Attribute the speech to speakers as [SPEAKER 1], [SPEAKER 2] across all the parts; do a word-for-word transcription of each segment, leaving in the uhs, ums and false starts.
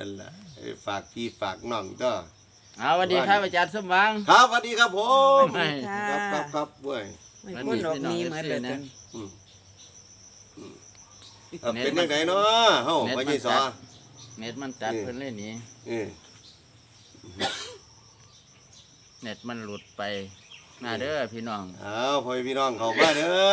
[SPEAKER 1] นั่นแหละฝากพี่ฝากน้องก็
[SPEAKER 2] เอาสวัสดีครับอาจารย์สมหวัง
[SPEAKER 1] ครับสวัสดีครับผม
[SPEAKER 3] สวัสดีค่ะ
[SPEAKER 1] ครับครับครับเว้ย
[SPEAKER 3] ไม่พ้นดอกนี้เหมือนเดิม
[SPEAKER 1] อืมอืมเอาเป็นยังไงเนาะเฮ้าไปยี่สอ
[SPEAKER 2] เน็ตมันจัดเพิ่นเลยหนี่
[SPEAKER 1] เออ
[SPEAKER 2] เน็ตมันหลุดไปมาเด้อพี่น้อง
[SPEAKER 1] เอาพ่อพี่น้องเขามาเด้อ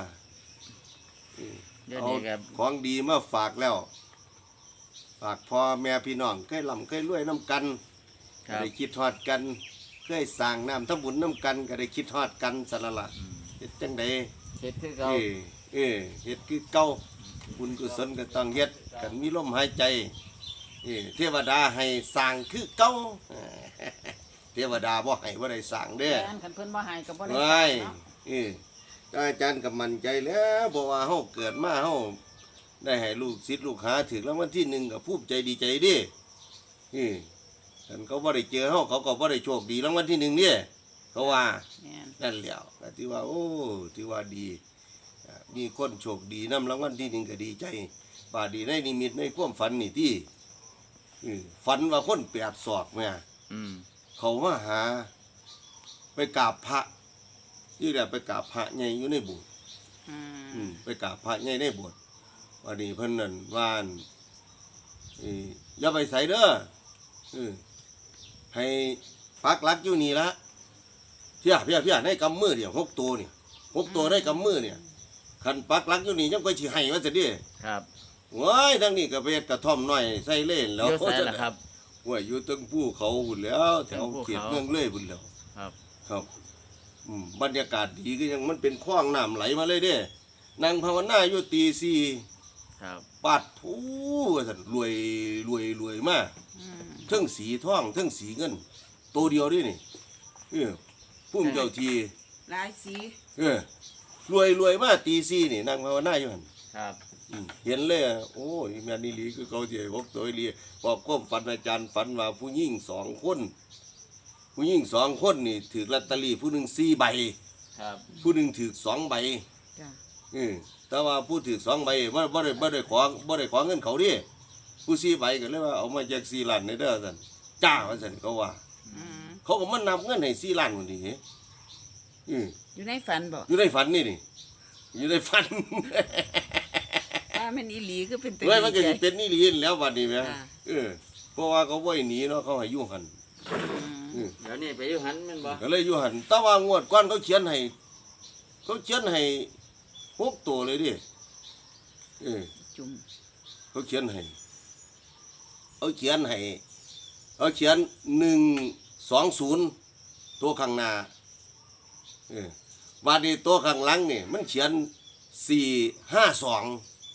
[SPEAKER 2] เดี๋ยว
[SPEAKER 1] เอา
[SPEAKER 2] นี้กับ
[SPEAKER 1] ของดีมาฝากแล้ว ฝากพ่อแม่พี่น้องเคยลำเคยรวยน้ำกัน
[SPEAKER 2] ค
[SPEAKER 1] ก็
[SPEAKER 2] รับ
[SPEAKER 1] ได้คิดทอดกันเคยสั่งน้ำทำบุญน้ำกันก็ได้คิดทอดกันสละละเฮ็ดจังใด
[SPEAKER 2] เฮ็ดคือ
[SPEAKER 1] เอ
[SPEAKER 2] เก่า
[SPEAKER 1] อเออเฮ็ดคือเก่าบุญกุศลก็ต้องเฮ็ดกันมีลมหายใจเออเทวดาให้สั่งคือเก่า เทวดาบ่ให้บ่ได้สั่งเด้อ
[SPEAKER 3] แม่นคันเพิ่นบ่ให้ก็บ่ได้
[SPEAKER 1] ไว้
[SPEAKER 3] เนาะ
[SPEAKER 1] เอออาจารย์ก็มั่นใจแล้วเพราะว่าเฮาเกิดมาเฮาได้ให้ลูกศิษย์ลูกหาถึงรางวัลที่หนึ่งก็ภูมิใจดีใจเดิเออท่านเขาบ่ได้เจอเฮาเขาก็บ่ได้โชคดีรางวัลที่หนึ่งเนี่ยเขาว่า
[SPEAKER 3] แม่น
[SPEAKER 1] นั่นแหล้วก็ที่ว่าโอ้ที่ว่าดีอ่ามีคนโชคดีนำรางวัลที่หนึ่งก็ดีใจบาดดีในนิมิตในความฝันนี่ที่เออฝันว่าคนแปดศอกแม่
[SPEAKER 2] อืม
[SPEAKER 1] เขามาหา ไปกราบพระที่แรกไปกราบพระใหญ่อยู่ในโบุตร
[SPEAKER 3] อื
[SPEAKER 1] อื
[SPEAKER 3] ม
[SPEAKER 1] มไปกราบพระใหญ่ในโบุตรวันนี้เพิ่นนั่นว่านเอ้ยอย่าไปใส่เด้อเออให้ปักหลักอยู่นี่ละเพียเพียเพียในกำมือเดียวหกตัวเนี่ยหกตัวในกำมือเนี่ยคันปักหลักอยู่นี่ยังไปสิให้ว่าจะดิ
[SPEAKER 2] ครับ
[SPEAKER 1] ว้ายทั้งนี้ก็ไปเฮ็ดกระท่อมน้อยใส่เล่นแล้ว
[SPEAKER 2] เดี๋ยวใส่ละครับ
[SPEAKER 1] ว่าอยู่ตึงภูเขาหุ่นแล้วแถว
[SPEAKER 2] ตึงภูเขา
[SPEAKER 1] เขตเมืองเลยหุ่นแล้ว
[SPEAKER 2] ครับ
[SPEAKER 1] ครับอืมบรรยากาศดีก็ยังมันเป็นคลองน้ำไหลมาเลยเด้นางภาวนาอยู่ตีสี่
[SPEAKER 2] ครับ
[SPEAKER 1] ปาดผู้ว่าสันรวยรวยรวยมาก
[SPEAKER 3] อืม
[SPEAKER 1] เทั้งสีทองเทั้งสีเงินตัวเดียวด้วยนี่เออพุ่มเจ้าที
[SPEAKER 3] หลายสี
[SPEAKER 1] เออรวยรวยมากตีสี่นี่นางภาวนาอยู่หัน
[SPEAKER 2] ครับ
[SPEAKER 1] อืมเห็นเลยอะโอ้ยแม่นี่หลีคือเขาเจียกตัวอีหลีบอกก้มฝันอาจารย์ฝันว่าผู้หญิงสองคน ผู้หญิงสองคนนี่ถือลอตเตอรี่ผู้หนึ่งสี่ใบ
[SPEAKER 2] ครับ
[SPEAKER 1] ผู้หนึ่งถือสองใบ
[SPEAKER 3] จ้ะ
[SPEAKER 1] เออแต่ว่าผู้ถือสองใบบ่บ่ได้บ่ได้ขอบ่ได้ขอเงินเขาดิผู้สี่ใบก็เลยว่าเอามาจากสี่ล้านในเด้อซั่นจ้าว่าซั่นเขาว่า
[SPEAKER 3] อืม
[SPEAKER 1] เขาก็มานับเงินให้สี่ล้านคนนี้เออ
[SPEAKER 3] อยู่ในฝันบ่
[SPEAKER 1] อยู่ในฝันนี่นี่อยู่ในฝัน
[SPEAKER 3] ว่าแม่นอีหลีคือเป็นตัว
[SPEAKER 1] เฮ้ยมันก็
[SPEAKER 3] ดี
[SPEAKER 1] สิ
[SPEAKER 3] ใจ
[SPEAKER 1] เป็นนี่ลีนแล้วบัดนี้แหม
[SPEAKER 3] อ่า
[SPEAKER 1] เออเพราะว่าเขาบ่ให้หนีเนาะเขาให้อยู่หั่น
[SPEAKER 3] อืม
[SPEAKER 1] เออ
[SPEAKER 2] เดี๋ยวนี้ไปอยู่หันแม่นบ่
[SPEAKER 1] ก็เลยอยู่หั่นแต่ว่างวดก่อนเขาเขียนให้เขาเขียนให้หกตัวเลยดิเออ
[SPEAKER 3] จุ่ม
[SPEAKER 1] เขาเขียนให้เขาเขียนให้เขาเขียนหนึ่งสองศูนย์ตัวข้างหน้าเออวาดนี้ตัวข้างหลังนี่มันเขียนสี่ห้าสอง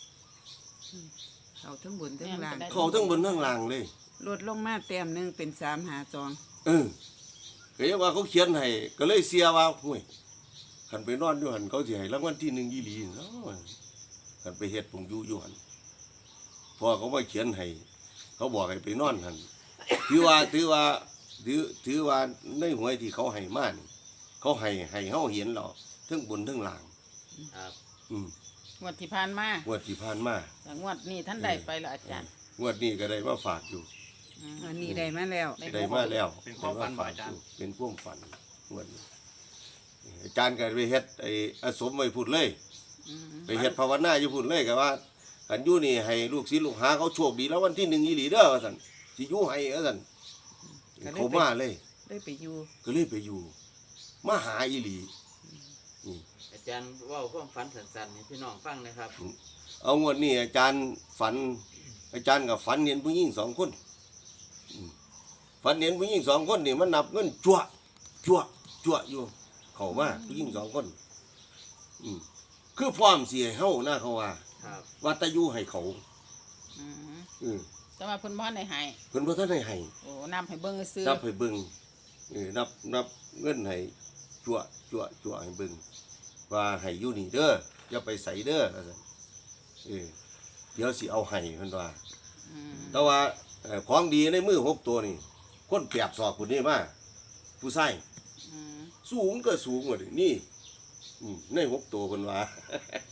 [SPEAKER 3] เขาทั้งบนทั้งล่าง
[SPEAKER 1] เขาทั้งบนทั้งล่างเลย
[SPEAKER 3] ลดลงมาแต้มหนึงเป็นสามหาจอง
[SPEAKER 1] เออก็ยังว่าเขาเขียนให้ก็เลยเสียว่าห่วยขันไปนอนอยู่หันเขาสิให้รางวัลที่หนึ่งยี่หลีเนาะขันไปเฮ็ดผงอยู่อยู่หันพอเขามาเขียนให้เขาบอกให้ไปนอนหันถือว่าถือว่าถือถือว่าในหวยที่เขาให้มานี่เขาให้ให้เฮาเห็นหรอกทั้งบนทั้งล่าง
[SPEAKER 2] ครับ
[SPEAKER 1] อืม
[SPEAKER 3] งวดที่ผ่านมาง
[SPEAKER 1] วดที่ผ่านมา
[SPEAKER 3] แต่งวดนี้ท่านได้ไปแล้วอาจารย์
[SPEAKER 1] งวดนี้ก็ได้มาฝากอยู่
[SPEAKER 3] อันนี้ได้มาแล้ว
[SPEAKER 1] ได้มาแล้ว
[SPEAKER 4] เป็นความฝันบ่อาจารย์
[SPEAKER 1] เป็นความฝันงวดนี้อาจารย์ก็ไปเฮ็ดไอ้อาสมไว้พูดเลย
[SPEAKER 3] อืม
[SPEAKER 1] ไปเฮ็ดภาวนาอยู่พูดเลยก็ว่าคันอยู่นี่ให้ลูกศิษย์ลูกหาเขาโชคดีแล้ววันที่หนึ่งอีหลีเด้อว่าซั่นสิอยู่ให้ว่าซั่นเขามาเลย
[SPEAKER 3] ได้ไปอยู่
[SPEAKER 1] ก็เลยไปอยู่ มาหาอีหลี
[SPEAKER 2] อาจารย์เว้าความฝันสั้นๆให้พี่น้องฟังนะครับ
[SPEAKER 1] เอางวดนี้อาจารย์ฝัน อาจารย์ก็ฝันเห็นผู้หญิงสองคนอืมฝันเห็นผู้หญิงสองคนนี่มันนับเงินจั่วจั่วจั่วอยู่ เข้ามาผู้หญิงสองคนอืมคือพร้อมสิให้เฮานะเขาว่า
[SPEAKER 2] ครับ
[SPEAKER 1] ว่าแตะอยู่ให้เขา
[SPEAKER 3] อืม
[SPEAKER 1] อืม
[SPEAKER 3] แต่ว่าเพิ่นบ่ได้ให้
[SPEAKER 1] เพิ่นบ่ทันได้ให้
[SPEAKER 3] โอ้นำให้เบิ่งซื้อ
[SPEAKER 1] นับให้เบิ่งเออนับนับเงินให้จั่วจั่วจั่วให้เบิ่งว่าให้อยู่นี่เด้ออย่าไปใส่เด้อว่าซั่นเออเดี๋ยวสิเอาให้เพิ่นว่า
[SPEAKER 3] อืม
[SPEAKER 1] แต่ว่าเอ่อของดีในมือหกตัวนี่คนแปบศอกคนนี้มาผู้ชาย
[SPEAKER 3] อืม
[SPEAKER 1] สูงก็สูงกว่านี่อืมในหกตัวเพิ่นว่า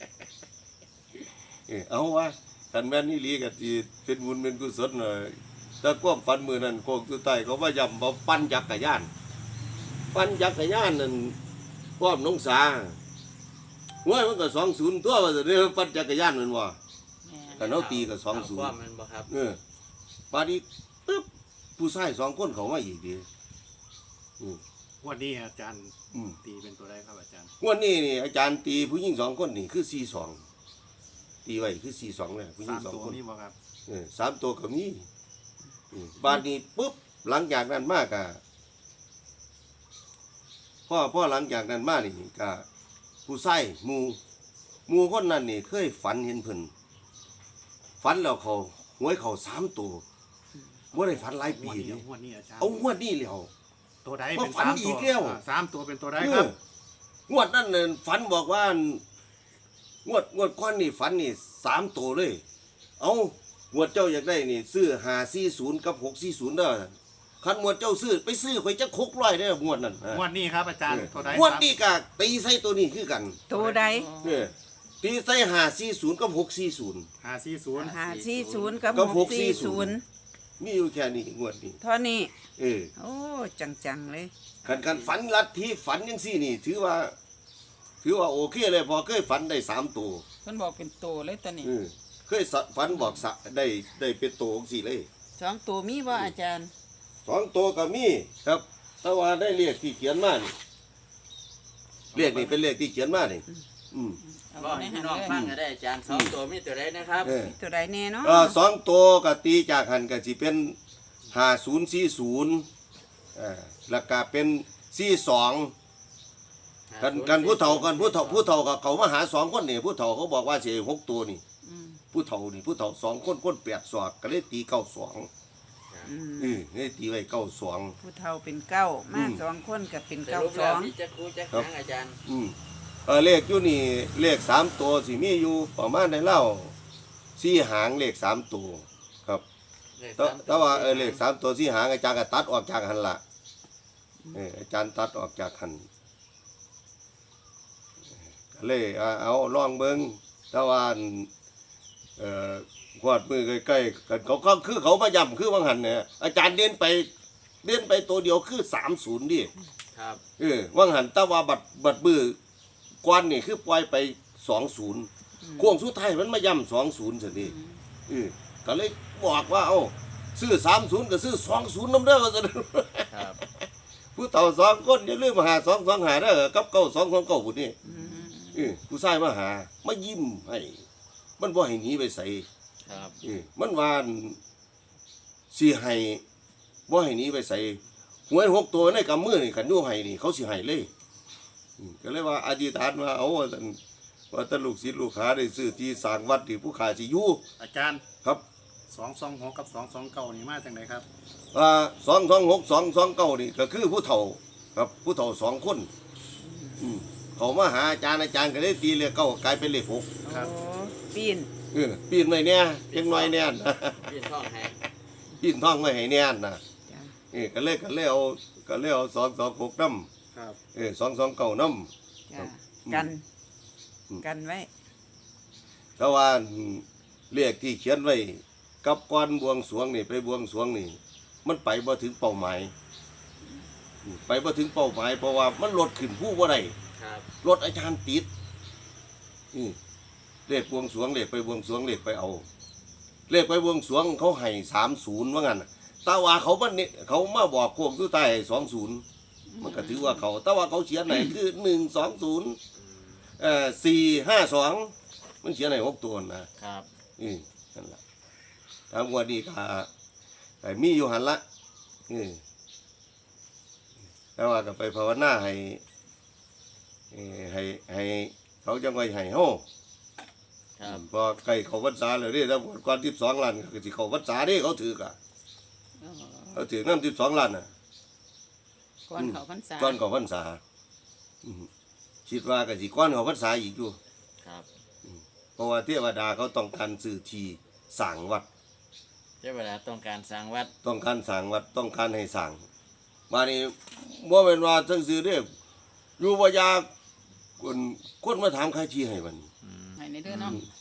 [SPEAKER 1] เออเอาว่าคันแม่นนี่ลีก็สิเป็นบุญเป็นกุศลเนาะแต่ความฝันมือนั้นโคกสุดท้ายเขาว่าย้ำว่าปั่นจักรยานปั่นจักรยานนั่นความน้องสาห้วยมันก็สองศูนย์ตัวว่าจะเรียกปั่นจักรยานมันว่า
[SPEAKER 3] แม่
[SPEAKER 1] กันเอาตีก็สองศูน
[SPEAKER 2] ควา
[SPEAKER 1] ย์
[SPEAKER 2] มมันบ่ครับ
[SPEAKER 1] เออปานี้ปึ๊บผู้ชายสองคนเขามาอีกดีอืม
[SPEAKER 4] วันนี้อาจารย์
[SPEAKER 1] อืม
[SPEAKER 4] ตีเป็นตัวใดครับอาจารย์
[SPEAKER 1] งวันนี้นี่อาจารย์ตีผู้หญิงสองคนนี่คือสี่สองตีไว้คือสี่สองเลยผู้หญิ
[SPEAKER 4] สาง ม
[SPEAKER 1] สอง
[SPEAKER 4] ตัว
[SPEAKER 1] คน
[SPEAKER 4] นี้บ่ครับ
[SPEAKER 1] เออสามตัวก็มีอืมบ้านนี้ปุ๊บหลังจากนั้นมากอะพ่อพ่อหลังจากนั้นมานี่ก็ผู้ใส่มูหมูคนนั้นนี่เคยฝันเห็นเพิ่นฝันแล้วเขาหวยเขาสามตัวว่าได้ฝันหลายปี
[SPEAKER 4] งวดนี้
[SPEAKER 1] นี่
[SPEAKER 4] งวดนี้อาจารย์
[SPEAKER 1] เอางวดนี้แล้ว
[SPEAKER 4] ตัวใด
[SPEAKER 1] ว่า
[SPEAKER 4] เป็น
[SPEAKER 1] ฝัน
[SPEAKER 4] สาม
[SPEAKER 1] อี
[SPEAKER 4] ตัว
[SPEAKER 1] กแล้ว
[SPEAKER 4] อ่าสามตัวเป็นตัวใด
[SPEAKER 1] เอ
[SPEAKER 4] ครับ
[SPEAKER 1] องวดนั้นน่ะฝันบอกว่างวดงวดก้อนนี่ฝันนี่สามตัวเลย เอางวดเจ้าอยากได้นี่ซื้อห้าสี่ศูนย์กับหกสี่ศูนย์เด้อคันงวดเจ้าซื้อไปซื้อข่อยจะคกร้อยเด้องวดนั้น
[SPEAKER 4] งวดนี้ครับอาจารย์ตัวใด
[SPEAKER 1] งวดนี้ก็ตีใส่ตัวนี้คือกัน
[SPEAKER 5] ตัวใด
[SPEAKER 1] เออตีใส่ห้าสี่ศูนย์กับหกสี่ศูนย์
[SPEAKER 4] ห้าสี่ศูนย์
[SPEAKER 5] หาสี่ศูนย์กับ
[SPEAKER 1] กับ
[SPEAKER 5] ห
[SPEAKER 1] ห
[SPEAKER 5] ก
[SPEAKER 1] กสี่
[SPEAKER 5] สี่
[SPEAKER 1] ศู
[SPEAKER 5] ศู
[SPEAKER 1] น
[SPEAKER 5] น
[SPEAKER 1] ย์
[SPEAKER 5] ย์
[SPEAKER 1] มีอยู่แค่นี้งวดนี้
[SPEAKER 5] เท่านี้
[SPEAKER 1] เออ
[SPEAKER 5] โอ้จังๆเลย
[SPEAKER 1] คันคันฝันลัทธิฝันยังสี่นี่ ถือว่า ถือว่าโอเคเลยพอเคยฝันได้สามตัว
[SPEAKER 3] เพิ่นบอกเป็นโตเลยตอนนี้
[SPEAKER 1] เออเคยสะฝันบอกสะได้ได้เป็นตัวของสี่เลย
[SPEAKER 5] สองตัวมีบ่อาจารย์
[SPEAKER 1] สองตัวก็มีครับ แต่ว่าได้เรียกที่เขียนมานี่เรียกนี่เป็นเรียกที่เขียนมานี่อืม
[SPEAKER 3] เอา
[SPEAKER 2] ก็
[SPEAKER 3] ไว้ใน
[SPEAKER 2] ให้
[SPEAKER 3] หั
[SPEAKER 2] พี่
[SPEAKER 3] น
[SPEAKER 2] น้อง
[SPEAKER 3] เลย
[SPEAKER 2] ฟังก็ได้อาจารย์สองตัวมีตัวใดนะครับ
[SPEAKER 1] เออ
[SPEAKER 5] ตัวใดแน่เนาะ
[SPEAKER 1] เออสองตัวก็ตีจากหันก็สิเป็นห้าศูนย์สี่ศูนย์เออแล้วก็เป็นสี่สองกันกันผู้เฒ่ากันผู้เฒ่าผู้เฒ่าก็เขามาหาสองคนนี่ผู้เฒ่าเขาบอกว่าสิให้หกตัวนี่
[SPEAKER 3] อืม
[SPEAKER 1] ผู้เฒ่านี่ผู้เฒ่าสองคนคนแปดศอกก็เลยตีเก้าสอง
[SPEAKER 5] อืม
[SPEAKER 1] เออเลยตีไว้เก้าสอง
[SPEAKER 5] ผู้เฒ่าเป็นเก้า
[SPEAKER 1] อื
[SPEAKER 5] มาม สองคนก็เป็น
[SPEAKER 2] ส
[SPEAKER 5] เก้า
[SPEAKER 2] รุป
[SPEAKER 5] ส
[SPEAKER 2] แล้
[SPEAKER 5] อ
[SPEAKER 2] ว
[SPEAKER 5] ง
[SPEAKER 2] มีจะครูจะ
[SPEAKER 1] ครับ
[SPEAKER 2] หางอาจารย์
[SPEAKER 1] อืมเออเลขอยู่นี่เลขสามตัวสิมีอยู่ประมาณได้เล่าสี่หางเลขสามตัวครับ
[SPEAKER 2] เลข
[SPEAKER 1] แต่
[SPEAKER 2] สม
[SPEAKER 1] แต่ว่าเออเลขสามตัวสี่หางอาจารย์ก็ตัดออกจากหันละเอออาจารย์ตัดออกจากหันก็เลยเอาเอาลองเบิ้งแต่ว่าอันเอ่อขวดมือใกล้ๆกันเขาเขาคือเขามาย้ำคือว่างหันเนี่ยอาจารย์เด่นไปเด่นไปตัวเดียวคือสามศูนย์ดิ
[SPEAKER 2] ครับ
[SPEAKER 1] เออว่างหันแต่ว่าบัดบัดมือก้อนนี่คือปล่อยไปสองศูนย์โค้งสุดท้ายมันมาย่ำสองศูนย์สิเออก็เลยบอกว่าเอ้าซื้อสามศูนย์ก็ซื้อสองศูนย์น้ำเด้อว่าสิ
[SPEAKER 2] ครับ
[SPEAKER 1] ผู้เฒ่าสองคนอย่าลืมมาหาสองสองหาเด้อกับเก้าสองสองเก้าผู้นี่เออผู้ชายมาหามายิ้มให้มันบ่ให้หนีไปใส่
[SPEAKER 2] ครับ
[SPEAKER 1] เออมันว่าสิให้บ่ให้หนีไปใส่หวยหกตัวในกำมือนี่ขันอยู่ให้นี่เขาสิให้เลยอืมก็เลยว่าอธิษฐานว่าเอาว่าซั่นว่าแตลูกศิษย์ลูกหาได้ซื้อที่สร้างวัดที่ผู้ขาสิอยู่
[SPEAKER 4] อาจารย์
[SPEAKER 1] ครับ
[SPEAKER 4] สองสองหกกับสองสองเก้านี่มาจากไหนครับ
[SPEAKER 1] อ่าสองสองหกสองสองเก้านี่ก็คือผู้เฒ่าครับผู้เฒ่าสองคนอืมเขามาหาอาจารย์อาจารย์ก็เลยตีเลขเก้ากลายเป็นเลขหก
[SPEAKER 4] ครับ
[SPEAKER 5] โอ้ปีน
[SPEAKER 1] เออปีนไว้เนี่ยยังน้อยแน่น
[SPEAKER 2] พี่ท่องให้
[SPEAKER 1] ปีนท้องไว้ให้แน่นนะ
[SPEAKER 5] จ้ะ
[SPEAKER 1] เออก็เลยก็เลยเอาก็เลยเอาสองสองหกน้ำ
[SPEAKER 4] ครับ
[SPEAKER 1] เออสองสองเก้าน้
[SPEAKER 5] จ้ะกัน
[SPEAKER 1] อืม
[SPEAKER 5] กันไว้
[SPEAKER 1] ำแต่ว่าเลขที่เขียนไว้กับก้อนบวงสรวงนี่ไปบวงสรวงนี่ มันไปบ่ถึงเป้าหมายอืมไปบ่ถึงเป้าหมายเพราะว่ามันลดขึ้นผู้บ่ได้
[SPEAKER 2] ครับ
[SPEAKER 1] รถอาจารย์ติดอืมเลขบวงสรวงเลขไปบวงสรวงเลขไปเอา เลขไปบวงสรวงเขาให้สามศูนย์ว่างั้นน่ะแต่ว่าเขามันเนี่ยเขามาบอกโค้งสุดท้ายสองศูนย์มันก็ถือว่าเขาแต่ว่าเขาเขียนไหนคือหนึ่งสองศูนย์เอ่อสี่ห้าสองมันเขียนไหนหกตัวนะครับ อืมนั่นแหละตามวันนี้ก็ก็มีอยู่หันละอืมแต่ว่าก็ไปภาวนาให้ เอ่อให้ให้เขาจังไว้ให้เฮา
[SPEAKER 2] ครับ
[SPEAKER 1] พอใกล้เขาพรรษาแล้วเด้ถ้าก่อนสิบสองล้านก็สิเขาพรรษาเด้เขาถือกะ
[SPEAKER 3] เออ
[SPEAKER 1] เขาถือน้ำสิบสองล้านน่ะ
[SPEAKER 3] ก่อนเขาพรรษา
[SPEAKER 1] ก่อนเขาพรรษาอืมคิดว่าก็สิก่อนเขาพรรษาอีกอยู่
[SPEAKER 2] ครับ
[SPEAKER 1] เพราะว่าเทวดาเขาต้องการสื่อทีสร้างวัด
[SPEAKER 2] เจ้าเวลาต้องการสร้างวัด
[SPEAKER 1] ต้องการสร้างวัดต้องการให้สร้างมานี่บ่แม่นว่าจังซื่อเด้อยู่บ่ยากคนคนมาถามใครที่ให้มัน
[SPEAKER 3] ให้ในเด้อเนาะ
[SPEAKER 1] ต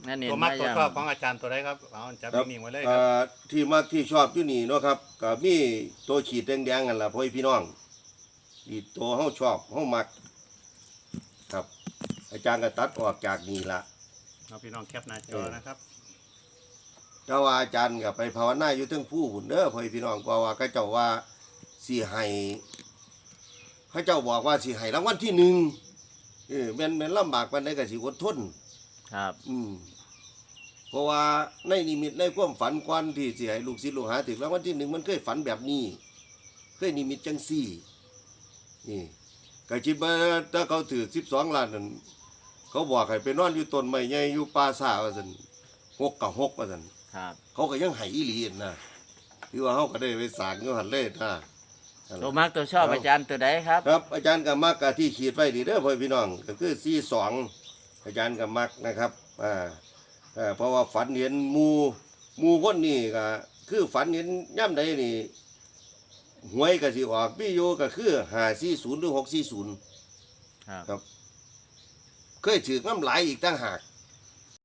[SPEAKER 2] นั่นนี่
[SPEAKER 4] ตัวมัก
[SPEAKER 2] มา
[SPEAKER 4] ตัว
[SPEAKER 2] ย่าง
[SPEAKER 4] ชอบของอาจารย์ตัวใดครับเอาจับ
[SPEAKER 1] ครับ
[SPEAKER 4] นิ่งๆไว้เลยค
[SPEAKER 1] เอ่
[SPEAKER 4] รับ
[SPEAKER 1] อที่มักที่ชอบอยู่นี่เนาะครับก็มีตัวขีดแดงๆกันล่ะพ่อพี่น้องนี่ตัวเฮาชอบเฮามัก ครับ อาจารย์ก็ตัดออกจากนี่ละ
[SPEAKER 4] เอาพี่น้องแคปหน้าจอนะครับ
[SPEAKER 1] เจ้าว่าอาจารย์ก็ไปภาวนาอยู่เทั้งผู้หุ่นเด้อพ่อพี่น้องเพราะว่าเขาเจ้าว่าสิให้เขาเจ้าบอกว่าสิให้รางวัลที่หนึ่งเออแม่นแม่นลำบากปานใดก็สิอดทน
[SPEAKER 2] ครับ
[SPEAKER 1] อืมเพราะว่าในนิมิตในความฝันกวนที่สิให้ลูกศิษย์ลูกหาถึงรางวัลที่หนึ่งมันเคยฝันแบบนี้ เคยนิมิตจังซี่นี่ก็คิดว่าถ้าเขาถือสิบสองล้านนั่นเขาบอกให้ไปนอนอยู่ต้นไม้ใหญ่อยู่ป่าซ่าว่าซั่นหกกับหกว่าซั่น
[SPEAKER 2] ครับ
[SPEAKER 1] เขาก็ยังให้อีหลีนั่นนะคือว่าเขาก็ได้ไปสร้างอยู่หั่นเลยนะนั่น
[SPEAKER 2] ตัว
[SPEAKER 1] ล่ะ
[SPEAKER 2] มักตัวชอบอาจารย์ตัวใดครับ
[SPEAKER 1] ครับอาจารย์ก็มักกะที่ขีดไว้ดีเด้อพ่อพี่น้องก็คือสี่สองอาจารย์ก็มักนะครับอ่าเอ่อเพราะว่าฝันเห็นหมูหมูคนนี่ก็คือฝันเห็นย่ำใดนี่หวยก็สิออกพี่โยก็คือห้าสี่ศูนย์หรือหกสี่ศูนย์
[SPEAKER 2] ครับ
[SPEAKER 1] ครับ เคยถือน้ำไหลายอีกต่างหาก